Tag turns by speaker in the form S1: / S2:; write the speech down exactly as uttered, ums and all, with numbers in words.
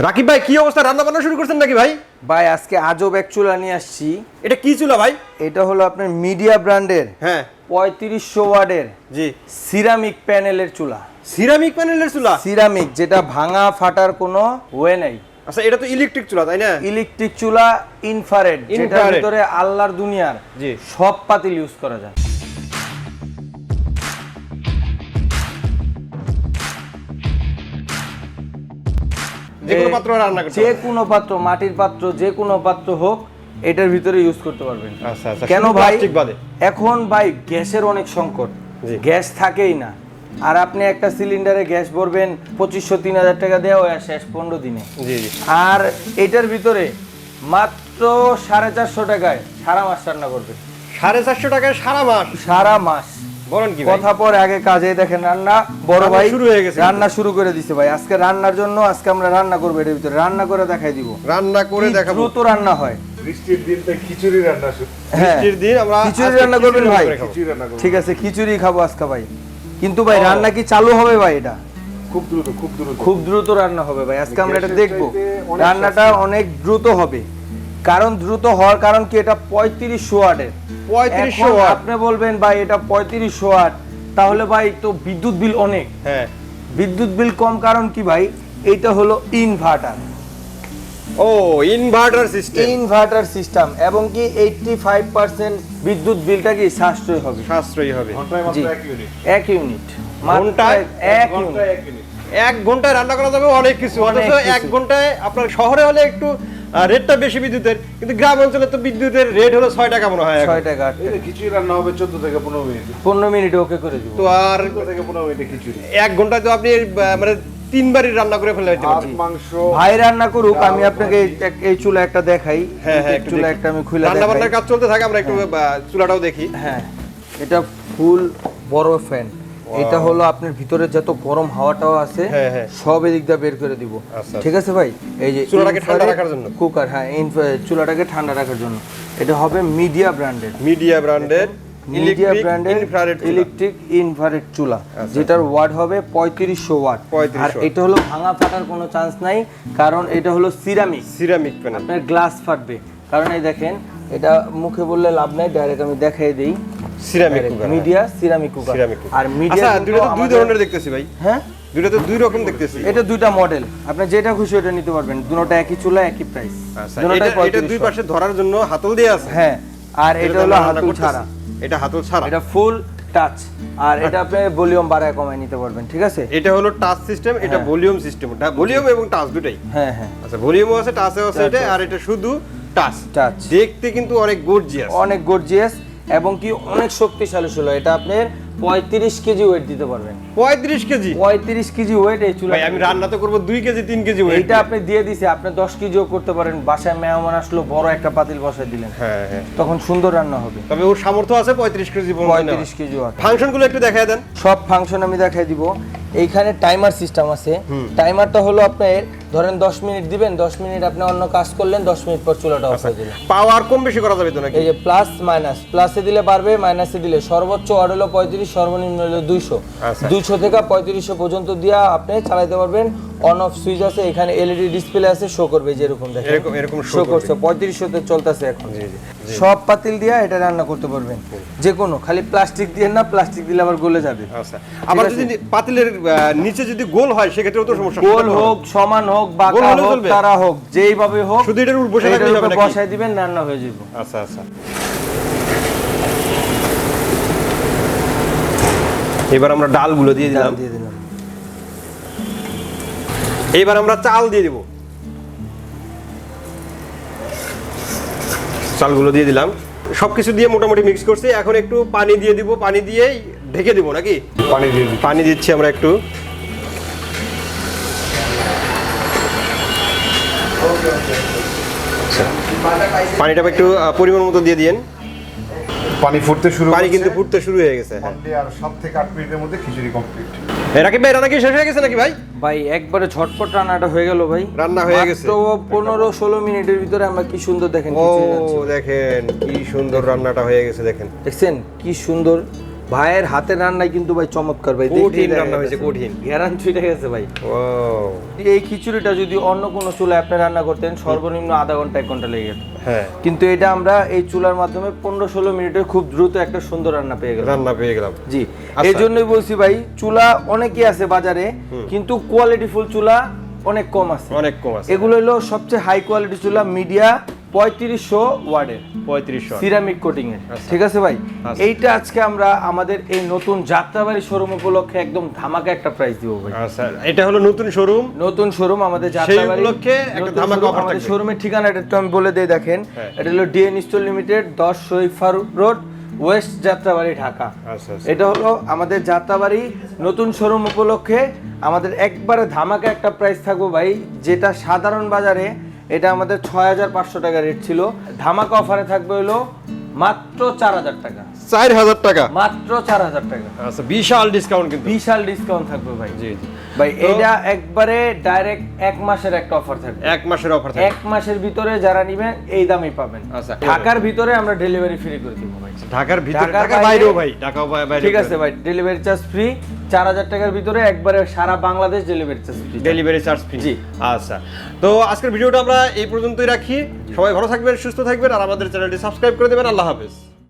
S1: রাকিব ভাই কি অবস্থা, রান্না বান্না শুরু করছেন নাকি ভাই?
S2: ভাই আজকে আজব এক চুলা নিয়ে আসছি।
S1: এটা কি চুলা ভাই?
S2: এটা হলো আপনার মিডিয়া ব্র্যান্ডের
S1: হ্যাঁ
S2: পঁয়ত্রিশশো ওয়াটের
S1: জি
S2: সিরামিক প্যানেলের চুলা।
S1: সিরামিক প্যানেলের চুলা?
S2: সিরামিক, যেটা ভাঙা ফাটার কোনো ওয়ে নাই।
S1: আচ্ছা, এটা তো ইলেকট্রিক চুলা তাই না?
S2: ইলেকট্রিক চুলা, ইনফ্রারেড, যেটার
S1: Infrared।
S2: ভিতরে আল্লাহর দুনিয়ার
S1: জি।
S2: সব পাতিল ইউজ করা যায়।
S1: যে কোনো পাত্র রান্না করতে
S2: যে
S1: পারবে?
S2: কোনো পাত্র, মাটির পাত্র, যে কোনো পাত্র হোক, এটার ভিতরে ইউজ করতে পারবেন।
S1: আচ্ছা আচ্ছা,
S2: কেন
S1: শুধু
S2: ভাই?
S1: প্লাস্টিক বাদে?
S2: এখন ভাই গ্যাসের অনেক সংকট,
S1: জি।
S2: গ্যাস থাকেই না। আর আপনি একটা সিলিন্ডারে গ্যাস ভরবেন পঁচিশশো তিন হাজার টাকা দেওয়া হয় শেষ পনেরো দিনে।
S1: জি জি।
S2: আর এটার ভিতরে মাত্র সাড়ে চারশো টাকায় সারা মাস রান্না করবে।
S1: সাড়ে চারশো টাকায় সারা মাস?
S2: সারা মাস।
S1: বলেন কি ভাই?
S2: কথা পরে আগে কাজে, দেখেন রান্না বড়
S1: রান্না
S2: ভাই
S1: শুরু হয়ে গেছে।
S2: রান্না শুরু করে দিছে ভাই। আজকে রান্নার জন্য আজকে আমরা রান্না করবো, এটার ভিতরে রান্না করে দেখাই দিব।
S1: রান্না করে
S2: কি
S1: দেখাবো।
S2: দ্রুত রান্না হয়।
S3: বৃষ্টির দিন তাই খিচুড়ি রান্না শুরু।
S2: হ্যাঁ,
S1: বৃষ্টির দিন আমরা
S2: খিচুড়ি
S1: আজকে
S2: রান্না করবেন
S1: খিচুড়ি
S2: ভাই?
S1: করে খাবো।
S3: খিচুড়ি রান্না করবো।
S2: ঠিক আছে, খিচুড়ি খাবো আজকে ভাই। কিন্তু ভাই
S1: ও।
S2: রান্না কি চালু হবে ভাই? এটা
S3: খুব দ্রুত খুব দ্রুত
S2: খুব দ্রুত রান্না হবে ভাই। আজকে আমরা এটা
S3: গ্যাসের
S2: দেখবো।
S3: চাইতে অনেক
S2: রান্নাটা অনেক দ্রুত হবে। কারণ দ্রুত হওয়ার কারণ কি, এটা পঁয়ত্রিশশো ওয়াটের।
S1: পঁয়ত্রিশশো
S2: এখন
S1: ওয়াট?
S2: আপনি বলবেন ভাই এটা পঁয়ত্রিশশো ওয়াট, তাহলে ভাই তো বিদ্যুৎ বিল অনেক।
S1: হ্যাঁ।
S2: বিদ্যুৎ বিল কম কারণ কি ভাই? এটা হলো ইনভার্টার।
S1: ও, ইনভার্টার সিস্টেম।
S2: ইনভার্টার সিস্টেম, এবং কি এইট্টি ফাইভ পার্সেন্ট বিদ্যুৎ বিলটা কি সাশ্রয় হবে।
S1: সাশ্রয়ী হবে।
S3: ঘন্টায়
S2: জি।
S3: মাত্র এক ইউনিট।
S2: এক ইউনিট,
S1: ঘন্টায়
S2: এক
S3: ঘন্টায়
S2: ইউনিট।
S3: এক ইউনিট।
S1: এক ঘন্টায় রান্না করা যাবে অনেক কিছু।
S2: অনেক
S1: অথচ এক
S2: কিছু।
S1: ঘন্টায় আপনার শহরে হলে একটু আহ, রেটটা বেশি বিদ্যুতের, কিন্তু গ্রাম অঞ্চলে তো বিদ্যুতের রেট হলো ছয় টাকা মনে হয় এখন।
S2: ছয় টাকা আট
S3: এই
S2: টাকা।
S3: যে খিচুড়ি রান্না হবে চোদ্দ থেকে পনেরো মিনিট।
S2: পনেরো মিনিটে ওকে করে দিব।
S1: তো আর
S3: চোদ্দ থেকে পনেরো মিনিটে খিচুড়ি।
S1: এক ঘন্টায় তো আপনি আহ, মানে তিনবারই রান্না করে ফেলে দিতে
S3: ভাত
S1: পারবেন।
S3: মাংস
S2: ভাই রান্না করুক, আমি আপনাকে এই- এক- এই চুলা একটা দেখাই।
S1: হ্যাঁ হ্যাঁ,
S2: এই
S1: একটু
S2: চুলা
S1: দেখি।
S2: একটা আমি খুলে
S1: রান্না
S2: দেখাই।
S1: বান্নার কাজ চলতে থাকে, আমরা একটু আহ, চুলাটাও দেখি।
S2: হ্যাঁ, এটা ফুল বড় ফ্যান। এটা হলো আপনার ভিতরে যত গরম হাওয়াটাও আছে
S1: হ্যাঁ, হ্যাঁ।
S2: সব এদিক দিয়ে বের করে দিব।
S1: আচ্ছা,
S2: ঠিক আছে ভাই? এই যে
S1: চুলাটাকে ঠান্ডা
S2: infrared
S1: রাখার জন্য?
S2: কুকার, হ্যাঁ, ইনফ্রা- চুলাটাকে ঠান্ডা রাখার জন্য। এটা হবে মিডিয়া ব্র্যান্ডের।
S1: মিডিয়া ব্র্যান্ডের
S2: মিডিয়া
S1: ইলেকট্রিক
S2: ব্র্যান্ডের
S1: ইনফ্রারেড
S2: ইলেকট্রিক ইনফ্রারেড চুলা,
S1: আচ্ছা।
S2: যেটার ওয়াট হবে পঁয়ত্রিশশো ওয়াট।
S1: পঁয়ত্রিশশো
S2: আর
S1: ওয়াট।
S2: এটা হলো ভাঙা ফাটার কোনো চান্স নাই, কারণ এটা হলো সিরামিক।
S1: Ceramic panel.
S2: আপনার গ্লাস ফাটবে, কারণ এই দেখেন, এটা মুখে বললে লাভ নাই, ডাইরেক্ট আমি দেখাই দেই।
S1: Ceramic cooker.
S2: Midea ceramic cooker.
S1: Ceramic cooker.
S2: আর মিডিয়া
S1: আচ্ছা, দুটো তো দুই ধরনের দেখতেছি ভাই।
S2: হ্যাঁ,
S1: দুটো তো দুই রকম দেখতেছি।
S2: এটা দুইটা মডেল, আপনি যেটা খুশি ওটা নিতে পারবেন। দুটোটা একই চুলা, একই প্রাইস।
S1: আচ্ছা,
S2: দুটোটাই
S1: এটা এটা দুই
S2: পঁয়ত্রিশশো।
S1: পাশে ধরার জন্য হাতল দিয়ে আছে।
S2: হ্যাঁ, আর এটা
S1: এটাতে
S2: হলো
S1: আমরা রান্না
S2: হাতুল
S1: করতেছি।
S2: ছাড়া।
S1: এটা হাতল ছাড়া।
S2: এটা ফুল টাচ, আর এটা আপনি ভলিউম বাড়ায় কমায় নিতে পারবেন। ঠিক আছে?
S1: এটা হলো টাচ সিস্টেম, এটা
S2: হ্যাঁ।
S1: Volume system. ভলিউম এবং টাচ দুটাই।
S2: হ্যাঁ হ্যাঁ,
S1: আচ্ছা, ভলিউমও আছে, টাচও আছে
S2: Touch
S1: এটা,
S2: আছে।
S1: আর এটা শুধু টাচ।
S2: টাচ।
S1: দেখতে কিন্তু অনেক গর্জিয়াস।
S2: অনেক গর্জিয়াস, এবং কি অনেক শক্তিশালী চুলা। এটা আপনার পঁয়ত্রিশ কেজি ওয়েট দিতে পারবেন।
S1: পঁয়ত্রিশ কেজি?
S2: পঁয়ত্রিশ কেজি ওয়েট এই চুলা।
S1: ভাই আমি রান্না তো করবো দুই কেজি তিন কেজি ওয়েট।
S2: এইটা আপনি দিয়ে দিছে, আপনি দশ কেজিও করতে পারেন। বাসায় মেহমান আসলো, বড় একটা পাতিল বসায় দিলেন,
S1: হ্যাঁ হ্যাঁ।
S2: তখন সুন্দর রান্না হবে।
S1: তবে ওর সামর্থ্য আছে পঁয়ত্রিশ কেজি
S2: পঁয়ত্রিশ কেজি ওয়াট।
S1: ফাংশন গুলো একটু দেখায় দেন।
S2: সব ফাংশন আমি দেখাই দিব। এইখানে টাইমার সিস্টেম আছে। টাইমারটা হলো আপনার, ধরেন দশ মিনিট দিবেন, দশ মিনিট আপনি অন্য কাজ করলেন, দশ মিনিট পর চুলাটা অফ হয়ে দিলেন।
S1: পাওয়ার কম বেশি করা যাবে তো নাকি?
S2: এই যে প্লাস মাইনাস, প্লাসে দিলে বাড়বে, মাইনাসে দিলে সর্বোচ্চ ওয়াট হলো পঁয়ত্রিশ, সর্বনিম্ন হলো দুইশো।
S1: আচ্ছা।
S2: দুইশো থেকে পঁয়ত্রিশশো পর্যন্ত দিয়া আপনি চালাতে পারবেন। অন অফ সুইচ আছে, এখানে এলইডি ডিসপ্লে আছে, শো করবে যেরকম দেখেন।
S1: এরকম- এরকম show
S2: শো
S1: করবে।
S2: করছে, পঁয়ত্রিশশো তে চলতেছে এখন।
S1: জি, জি, জি।
S2: সব পাতিল দিয়া এটা রান্না করতে পারবেন, যে কোনো। খালি প্লাস্টিক দিয়ে না, প্লাস্টিক দিলে আবার গলে যাবে।
S1: আচ্ছা, আবার
S2: আছে?
S1: যদি পাতিলের আহ, নিচে যদি গোল হয় সেক্ষেত্রেও তো সমস্যা।
S2: গোল হোক, সমান হোক,
S1: গোল
S2: বাঁকা
S1: হলে
S2: হোক,
S1: চলবে?
S2: তারা হোক, যেইভাবে হোক,
S1: শুধু এটার উপর বসে
S2: এটার
S1: থাকলেই হবে
S2: উপরে
S1: নাকি?
S2: বসায় দিবেন, রান্না হয়ে যাবে।
S1: আচ্ছা আচ্ছা। এবার আমরা ডালগুলো দিয়ে দিলাম।
S2: দিয়ে দিলাম।
S1: এবার আমরা চাল দিয়ে দিব। চালগুলো দিয়ে দিলাম, সবকিছু দিয়ে মোটামুটি মিক্স করছি। এখন একটু পানি দিয়ে দিব, পানি দিয়েই ঢেকে দিব নাকি?
S3: পানি দিয়ে দিই।
S1: পানি দিচ্ছি আমরা একটু। আচ্ছা, পানিটা একটু আহ, পরিমাণ মতো দিয়ে দিয়েন।
S3: পানি ফুটতে শুরু
S1: পানি
S3: করছে।
S1: কিন্তু ফুটতে শুরু হয়ে গেছে। হ্যাঁ।
S3: Only আর সাত থেকে আট মিনিটের মধ্যে খিচুড়ি কমপ্লিট।
S1: এ, রাকিব ভাই রান্না কি শেষ হয়ে গেছে নাকি ভাই?
S2: ভাই একবারে ঝটপট রান্নাটা হয়ে গেল ভাই।
S1: রান্না হয়ে গেছে।
S2: মাত্র পনেরো ষোলো মিনিটের ভিতরে আমরা কি সুন্দর দেখেন
S1: ও
S2: খিচুড়ি রাঁধছি।
S1: দেখেন কি সুন্দর রান্নাটা হয়ে গেছে, দেখেন।
S2: দেখছেন কি সুন্দর ভাইয়ের হাতের রান্নাই কিন্তু ভাই চমৎকার ভাই,
S1: কঠিন রান্না হয়েছে, কঠিন।
S2: ঘেরান ছুটে গেছে ভাই।
S1: ও
S2: এই খিচুড়িটা যদি অন্য কোনো চুলায় আপনি রান্না করতেন সর্বনিম্ন আধা ঘন্টা এক ঘন্টা লেগে যেত,
S1: হ্যাঁ,
S2: কিন্তু এটা আমরা এই চুলার মাধ্যমে পনেরো ষোলো মিনিটের খুব দ্রুত একটা সুন্দর রান্না পেয়ে গেলাম।
S1: রান্না পেয়ে গেলাম।
S2: জি,
S1: আচ্ছা।
S2: এই জন্যই বলছি ভাই, চুলা অনেকই আছে বাজারে, কিন্তু কোয়ালিটিফুল চুলা অনেক কম আছে।
S1: অনেক কম আছে।
S2: এগুলো হলো সবচেয়ে হাই কোয়ালিটি চুলা, মিডিয়া পঁয়ত্রিশশো ওয়ার্ডের,
S1: পঁয়ত্রিশশো
S2: সিরামিক কোটিং এর।
S1: আচ্ছা।
S2: ঠিক আছে ভাই,
S1: আচ্ছা।
S2: এইটা আজকে আমরা আমাদের এই নতুন যাত্রাবাড়ি শোরুম উপলক্ষে একদম ধামাকা একটা প্রাইস দিব ভাই।
S1: আচ্ছা, এটা হলো নতুন শোরুম।
S2: নতুন শোরুম আমাদের যাত্রাবাড়ি
S1: উপলক্ষে একটা
S2: নতুন
S1: ধামাকা
S2: showroom,
S1: offer
S2: আমাদের
S1: থাকবে।
S2: শোরুমের ঠিকানাটা একটু আমি বলে দেই, দেখেন
S1: হ্যাঁ।
S2: এটা হলো ডিএন স্টোর লিমিটেড, দশ শহীদ ফারুক রোড, ওয়েস্ট যাত্রাবাড়ি, ঢাকা।
S1: আচ্ছা, আচ্ছা।
S2: এটা হলো আমাদের যাত্রাবাড়ি নতুন শোরুম উপলক্ষে আমাদের একবারে ধামাকা একটা প্রাইস থাকবো ভাই, যেটা সাধারণ বাজারে এটা আমাদের ছয় হাজার পাঁচশো টাকা রেট ছিল, ধামাকা অফারে থাকবে হলো মাত্র চার হাজার টাকা,
S1: চার হাজার টাকা।
S2: মাত্র চার হাজার টাকা।
S1: আচ্ছা, বিশাল ডিসকাউন্ট কিন্তু।
S2: বিশাল ডিসকাউন্ট থাকবে ভাই।
S1: জি জি
S2: ভাই
S1: তো-
S2: এটা একবারে ডাইরেক্ট এক মাসের একটা অফার থাকবে,
S1: এক মাসের অফার থাকে।
S2: এক মাসের ভিতরে যারা নিবেন এই দামই পাবেন।
S1: আচ্ছা।
S2: ঢাকার ভিতরে আমরা ডেলিভারি ফ্রি করে দিব ভাই।
S1: ঢাকার ভিতরে,
S2: ঢাকার
S1: ঢাকার
S2: বাইরে-
S1: বাইরেও ভাই, ঢাকাও বাই- বাইরে।
S2: ঠিক আছে ভাই, ডেলিভারি চার্জ ফ্রি, চার হাজার টাকার ভিতরে একবারে সারা Bangladesh delivery charge free.
S1: Delivery charge free.
S2: জি।
S1: আচ্ছা, তো আজকের ভিডিওটা আমরা এই পর্যন্তই রাখি। সবাই ভালো থাকবেন, সুস্থ থাকবেন, আর আমাদের চ্যানেলটি সাবস্ক্রাইব করে দেবেন। আল্লাহ হাফেজ।